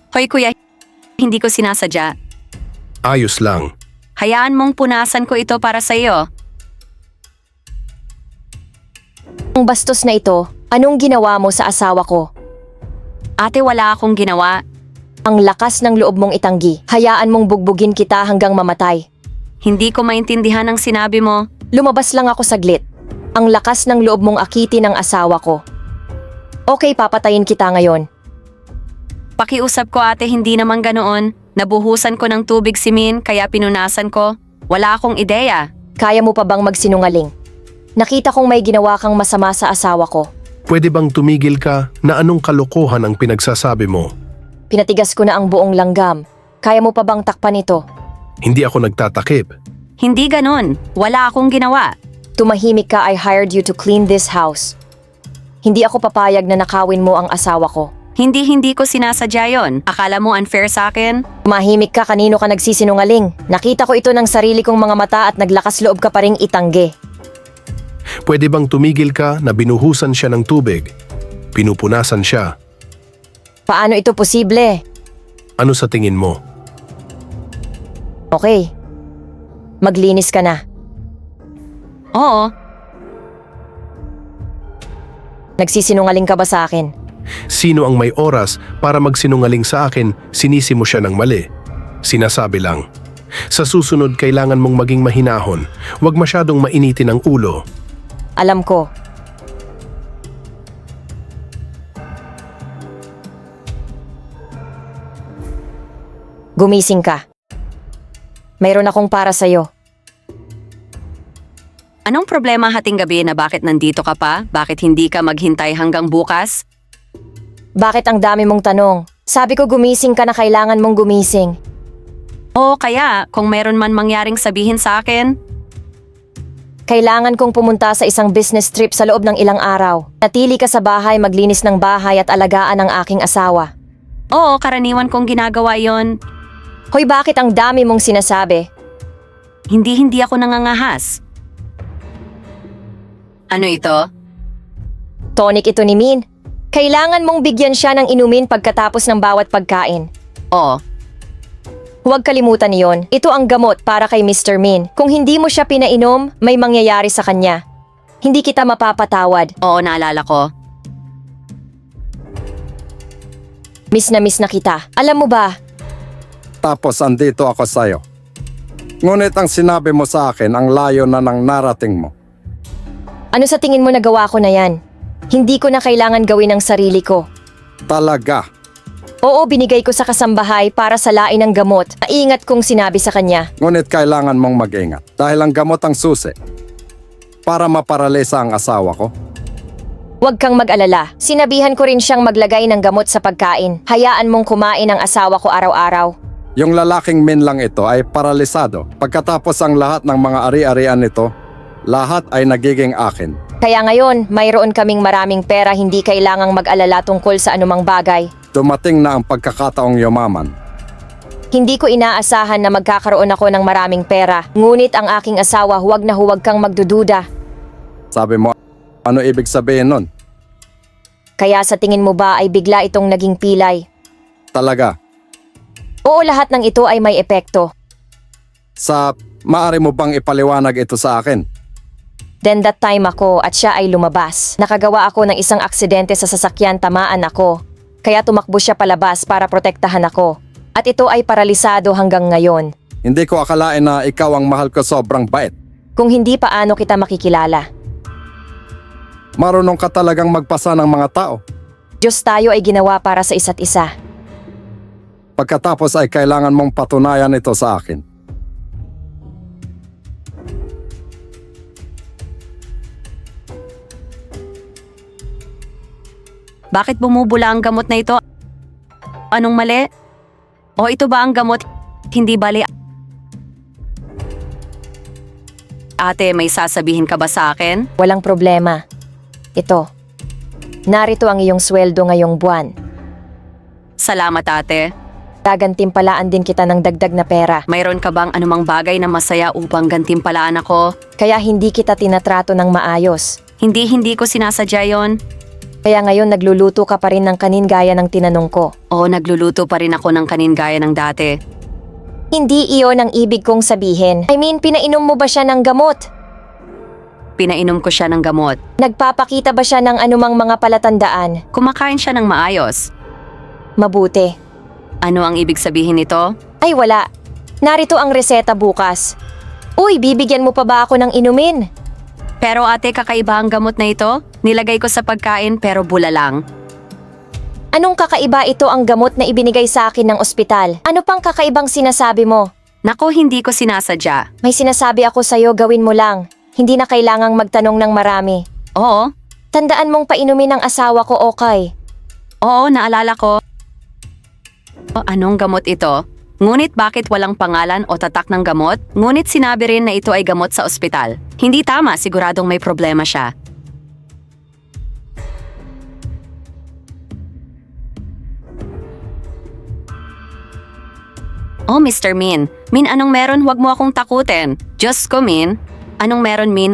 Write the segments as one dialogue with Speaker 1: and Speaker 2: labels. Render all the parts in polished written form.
Speaker 1: Hoy kuya, hindi ko sinasadya.
Speaker 2: Ayos lang.
Speaker 1: Hayaan mong punasan ko ito para sa iyo.
Speaker 3: Ang bastos na ito, anong ginawa mo sa asawa ko?
Speaker 1: Ate, wala akong ginawa.
Speaker 3: Ang lakas ng loob mong itanggi. Hayaan mong bugbugin kita hanggang mamatay.
Speaker 1: Hindi ko maintindihan ang sinabi mo.
Speaker 3: Lumabas lang ako saglit. Ang lakas ng loob mong akitin ang asawa ko. Okay, papatayin kita ngayon.
Speaker 1: Pakiusap ko ate, hindi naman ganoon. Nabuhusan ko ng tubig si Min, kaya pinunasan ko. Wala akong ideya.
Speaker 3: Kaya mo pa bang magsinungaling? Nakita kong may ginawa kang masama sa asawa ko.
Speaker 2: Pwede bang tumigil ka na anong kalokohan ang pinagsasabi mo?
Speaker 3: Pinatigas ko na ang buong langgam. Kaya mo pa bang takpan ito?
Speaker 2: Hindi ako nagtatakip.
Speaker 1: Hindi ganon. Wala akong ginawa.
Speaker 3: Tumahimik ka, I hired you to clean this house. Hindi ako papayag na nakawin mo ang asawa ko.
Speaker 1: Hindi ko sinasadya yon. Akala mo unfair sa akin?
Speaker 3: Tumahimik ka, kanino ka nagsisinungaling? Nakita ko ito ng sarili kong mga mata at naglakas loob ka pa ring itanggi.
Speaker 2: Pwede bang tumigil ka na binuhusan siya ng tubig? Pinupunasan siya.
Speaker 3: Paano ito posible?
Speaker 2: Ano sa tingin mo?
Speaker 3: Okay. Maglinis ka na.
Speaker 1: Oo.
Speaker 3: Nagsisinungaling ka ba sa akin?
Speaker 2: Sino ang may oras para magsinungaling sa akin, sinisi mo siya ng mali? Sinasabi lang. Sa susunod, kailangan mong maging mahinahon. Huwag masyadong mainitin ang ulo.
Speaker 3: Alam ko. Gumising ka. Mayroon akong para sa'yo.
Speaker 1: Anong problema hating gabi na bakit nandito ka pa? Bakit hindi ka maghintay hanggang bukas?
Speaker 3: Bakit ang dami mong tanong? Sabi ko gumising ka na, kailangan mong gumising.
Speaker 1: Oo, kaya kung meron man mangyaring sabihin sa akin.
Speaker 3: Kailangan kong pumunta sa isang business trip sa loob ng ilang araw. Natili ka sa bahay, maglinis ng bahay at alagaan ang aking asawa.
Speaker 1: Oo, karaniwan kong ginagawa yon.
Speaker 3: Hoy, bakit ang dami mong sinasabi?
Speaker 1: Hindi ako nangangahas. Ano ito?
Speaker 3: Tonic ito ni Min. Kailangan mong bigyan siya ng inumin pagkatapos ng bawat pagkain.
Speaker 1: Oo.
Speaker 3: Huwag kalimutan yon. Ito ang gamot para kay Mr. Min. Kung hindi mo siya pinainom, may mangyayari sa kanya. Hindi kita mapapatawad.
Speaker 1: Oo, naalala ko.
Speaker 3: Miss na kita. Alam mo ba,
Speaker 4: Tapos andito ako sa'yo. Ngunit ang sinabi mo sa akin ang layo na ng narating mo.
Speaker 3: ano sa tingin mo nagawa ko na yan? Hindi ko na kailangan gawin ang sarili ko.
Speaker 4: Talaga.
Speaker 3: Oo, binigay ko sa kasambahay para sa lain ng gamot. Naingat kong sinabi sa kanya.
Speaker 4: Ngunit kailangan mong mag-ingat dahil ang gamot ang susi para maparalisa ang asawa ko.
Speaker 3: Huwag kang mag-alala. Sinabihan ko rin siyang maglagay ng gamot sa pagkain. Hayaan mong kumain ang asawa ko araw-araw.
Speaker 4: Yung lalaking Min lang ito ay paralisado. Pagkatapos ang lahat ng mga ari-arian nito, lahat ay nagiging akin.
Speaker 3: Kaya ngayon, mayroon kaming maraming pera, hindi kailangang mag-alala tungkol sa anumang bagay.
Speaker 4: Dumating na ang pagkakataong yumaman.
Speaker 3: Hindi ko inaasahan na magkakaroon ako ng maraming pera. Ngunit ang aking asawa, huwag na huwag kang magdududa.
Speaker 4: Sabi mo, ano ibig sabihin nun?
Speaker 3: Kaya sa tingin mo ba ay bigla itong naging pilay?
Speaker 4: Talaga.
Speaker 3: Oo, lahat ng ito ay may epekto.
Speaker 4: Maaari mo bang ipaliwanag ito sa akin?
Speaker 3: Then that time ako at siya ay lumabas. Nakagawa ako ng isang aksidente sa sasakyan, tamaan ako. Kaya tumakbo siya palabas para protektahan ako. At ito ay paralisado hanggang ngayon.
Speaker 4: Hindi ko akalain na ikaw ang mahal ko, sobrang bait.
Speaker 3: Kung hindi, paano kita makikilala?
Speaker 4: Marunong ka talagang magpasa ng mga tao.
Speaker 3: Diyos, tayo ay ginawa para sa isa't isa.
Speaker 4: Pagkatapos ay kailangan mong patunayan ito sa akin.
Speaker 1: Bakit bumubula ang gamot na ito? Anong mali? O ito ba ang gamot? Hindi bali. Ate, may sasabihin ka ba sa akin?
Speaker 3: Walang problema. Ito. Narito ang iyong sweldo ngayong buwan.
Speaker 1: Salamat ate.
Speaker 3: Gagantimpalaan din kita ng dagdag na pera.
Speaker 1: Mayroon ka bang anumang bagay na masaya upang gantimpalaan ako?
Speaker 3: Kaya hindi kita tinatrato ng maayos.
Speaker 1: Hindi ko sinasadya yon.
Speaker 3: Kaya ngayon nagluluto ka pa rin ng kanin gaya ng tinanong ko.
Speaker 1: Oo, nagluluto pa rin ako ng kanin gaya ng dati.
Speaker 3: Hindi iyon ang ibig kong sabihin. I mean, pinainom mo ba siya ng gamot?
Speaker 1: Pinainom ko siya ng gamot.
Speaker 3: Nagpapakita ba siya ng anumang mga palatandaan?
Speaker 1: Kumakain siya ng maayos.
Speaker 3: Mabuti.
Speaker 1: Ano ang ibig sabihin nito?
Speaker 3: Ay wala. Narito ang reseta bukas. Uy, bibigyan mo pa ba ako ng inumin?
Speaker 1: Pero ate, kakaiba ang gamot na ito? Nilagay ko sa pagkain pero bula lang.
Speaker 3: Anong kakaiba ito ang gamot na ibinigay sa akin ng ospital? Ano pang kakaibang sinasabi mo?
Speaker 1: Nako, hindi ko sinasadya.
Speaker 3: May sinasabi ako sa'yo, gawin mo lang. Hindi na kailangang magtanong ng marami.
Speaker 1: Oo,
Speaker 3: Tandaan mong painumin ang asawa ko, okay?
Speaker 1: oo, naalala ko. Anong gamot ito? Ngunit bakit walang pangalan o tatak ng gamot? Ngunit sinabi rin na ito ay gamot sa ospital. Hindi tama, siguradong may problema siya. Oh, Mr. Min. Min, anong meron? Huwag mo akong takutin. Diyos ko, Min. Anong meron, Min?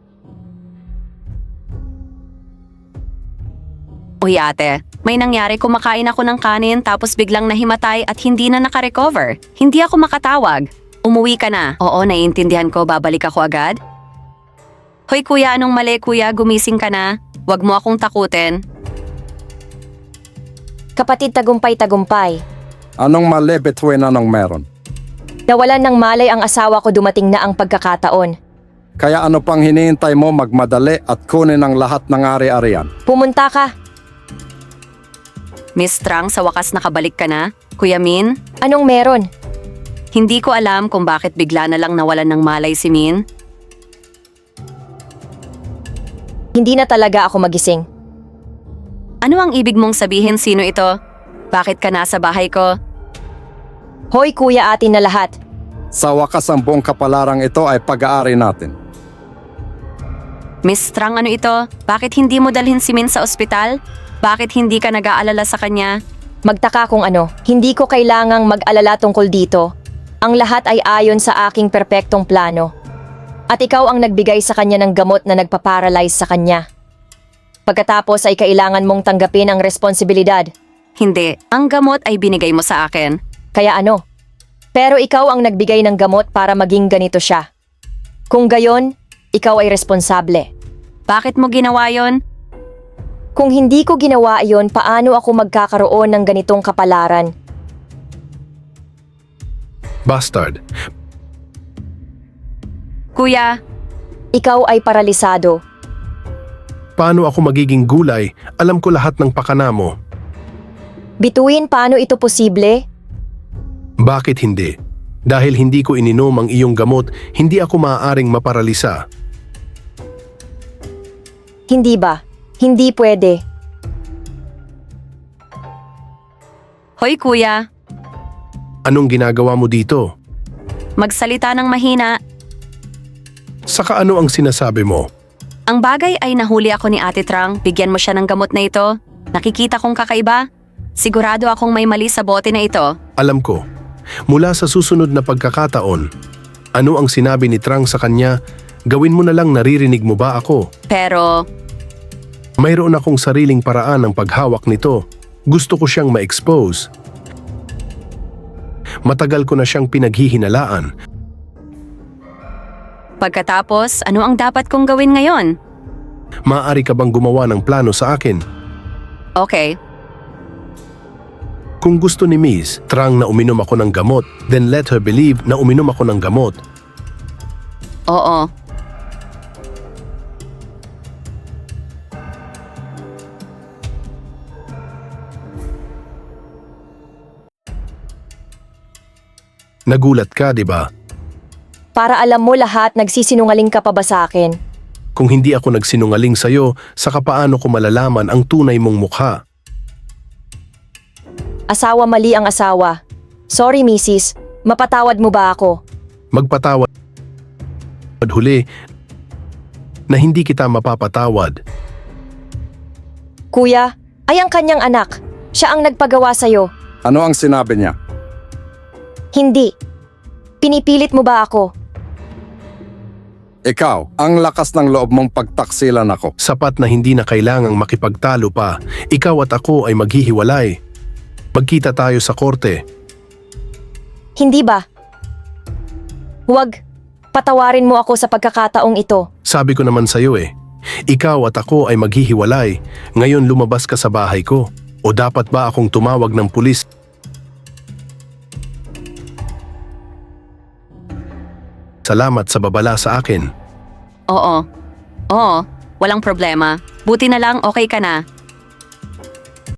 Speaker 1: Uy, ate. May nangyari, kumakain ako ng kanin tapos biglang nahimatay at hindi na nakarecover. Hindi ako makatawag. Umuwi ka na. Oo, naiintindihan ko. Babalik ako agad. Hoy, kuya, anong mali, kuya? Gumising ka na. Huwag mo akong takutin.
Speaker 3: Kapatid tagumpay-tagumpay.
Speaker 4: Anong mali between anong meron?
Speaker 3: Nawalan ng malay ang asawa ko, dumating na ang pagkakataon.
Speaker 4: Kaya ano pang hinihintay mo, magmadali at kunin ang lahat ng ari-arian?
Speaker 3: Pumunta ka.
Speaker 1: Miss Trang, sa wakas nakabalik ka na. Kuya Min,
Speaker 3: Anong meron?
Speaker 1: hindi ko alam kung bakit bigla na lang nawalan ng malay si Min.
Speaker 3: Hindi na talaga ako magising.
Speaker 1: Ano ang ibig mong sabihin, sino ito? Bakit ka nasa bahay ko?
Speaker 3: Hoy kuya, atin na lahat.
Speaker 4: Sa wakas ang buong kapalarang ito ay pag-aari natin.
Speaker 1: Miss Trang, ano ito? Bakit hindi mo dalhin si Min sa ospital? Bakit hindi ka nag-aalala sa kanya?
Speaker 3: Magtaka kung ano, hindi ko kailangang mag-alala tungkol dito. Ang lahat ay ayon sa aking perpektong plano. At ikaw ang nagbigay sa kanya ng gamot na nagpaparalyze sa kanya. Pagkatapos ay kailangan mong tanggapin ang responsibilidad.
Speaker 1: Hindi, ang gamot ay binigay mo sa akin.
Speaker 3: Kaya ano? Pero ikaw ang nagbigay ng gamot para maging ganito siya. Kung gayon, ikaw ay responsable.
Speaker 1: Bakit mo ginawa yon?
Speaker 3: Kung hindi ko ginawa iyon, paano ako magkakaroon ng ganitong kapalaran?
Speaker 2: Bastard.
Speaker 1: Kuya,
Speaker 3: Ikaw ay paralisado.
Speaker 2: Paano ako magiging gulay? Alam ko lahat ng pakana mo.
Speaker 3: Bituin, paano ito posible?
Speaker 2: Bakit hindi? Dahil hindi ko ininom ang iyong gamot, hindi ako maaaring maparalisa.
Speaker 3: Hindi ba? Hindi pwede.
Speaker 1: hoy kuya,
Speaker 2: Anong ginagawa mo dito?
Speaker 1: magsalita ng mahina.
Speaker 2: Saka ano ang sinasabi mo?
Speaker 1: Ang bagay ay nahuli ako ni Ate Trang, bigyan mo siya ng gamot na ito. Nakikita kong kakaiba. Sigurado akong may mali sa bote na ito.
Speaker 2: Alam ko. Mula sa susunod na pagkakataon, ano ang sinabi ni Trang sa kanya? Gawin mo na lang, naririnig mo ba ako?
Speaker 1: Pero,
Speaker 2: Mayroon akong sariling paraan ng paghawak nito. Gusto ko siyang ma-expose. Matagal ko na siyang pinaghihinalaan.
Speaker 1: pagkatapos, ano ang dapat kong gawin ngayon?
Speaker 2: Maaari ka bang gumawa ng plano sa akin?
Speaker 1: Okay,
Speaker 2: Kung gusto ni Miss Trang na uminom ako ng gamot, then let her believe na uminom ako ng gamot.
Speaker 1: oo.
Speaker 2: Nagulat ka, di ba?
Speaker 3: Para alam mo lahat, nagsisinungaling ka pa ba sa akin?
Speaker 2: Kung hindi ako nagsinungaling sa'yo, saka paano ko malalaman ang tunay mong mukha?
Speaker 3: Asawa, mali ang asawa. Sorry, misis. Mapatawad mo ba ako?
Speaker 2: Magpatawad huli na hindi kita mapapatawad.
Speaker 3: Kuya, ay ang kanyang anak. Siya ang nagpagawa sa'yo.
Speaker 4: Ano ang sinabi niya?
Speaker 3: Hindi. Pinipilit mo ba ako?
Speaker 4: Ikaw, ang lakas ng loob mong pagtaksilan ako.
Speaker 2: Sapat na hindi na kailangang makipagtalo pa. Ikaw at ako ay maghihiwalay. Magkita tayo sa korte.
Speaker 3: Hindi ba? Huwag. Patawarin mo ako sa pagkakataong ito.
Speaker 2: Sabi ko naman sa'yo eh. Ikaw at ako ay maghihiwalay. Ngayon lumabas ka sa bahay ko. O dapat ba akong tumawag ng pulis? Salamat sa babala sa akin.
Speaker 1: Oo. Oo, walang problema. Buti na lang okay ka na.